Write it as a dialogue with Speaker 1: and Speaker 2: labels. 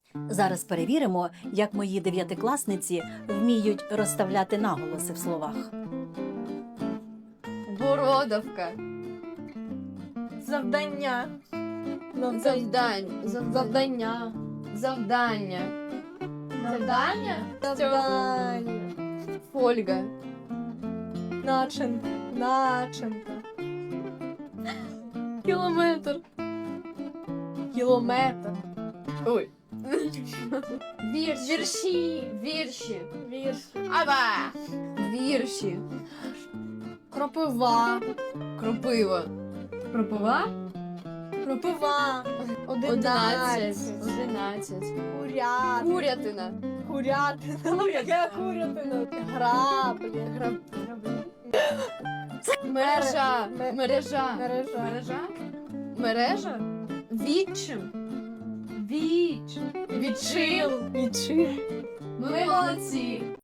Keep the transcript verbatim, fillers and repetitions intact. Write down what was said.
Speaker 1: Зараз перевіримо, як мої дев'ятикласниці вміють розставляти наголоси в словах.
Speaker 2: Бородавка.
Speaker 3: Завдання.
Speaker 2: Завдань. Завдання. Завдання. Завдання?
Speaker 3: Завдання.
Speaker 2: Фольга.
Speaker 3: Начинка. Начинка.
Speaker 2: Кілометр.
Speaker 3: Кілометр.
Speaker 2: Ой. Вірші.
Speaker 3: Вірші.
Speaker 2: Вірші.
Speaker 3: Вірші.
Speaker 2: Аба. Вірші.
Speaker 3: Кропива.
Speaker 2: Кропива. Кропива?
Speaker 3: Кропива.
Speaker 2: Одинадцять.
Speaker 3: Одинадцять.
Speaker 2: Одинадцять.
Speaker 3: Курят.
Speaker 2: Курятина.
Speaker 3: Курятина. Яка курятина? Граблі. Граб...
Speaker 2: Мережа.
Speaker 3: Ме-
Speaker 2: Мережа.
Speaker 3: Мережа.
Speaker 2: Мережа? Мережа? Відчим. Віч. Відчим.
Speaker 3: Відчим.
Speaker 2: Ми молодці.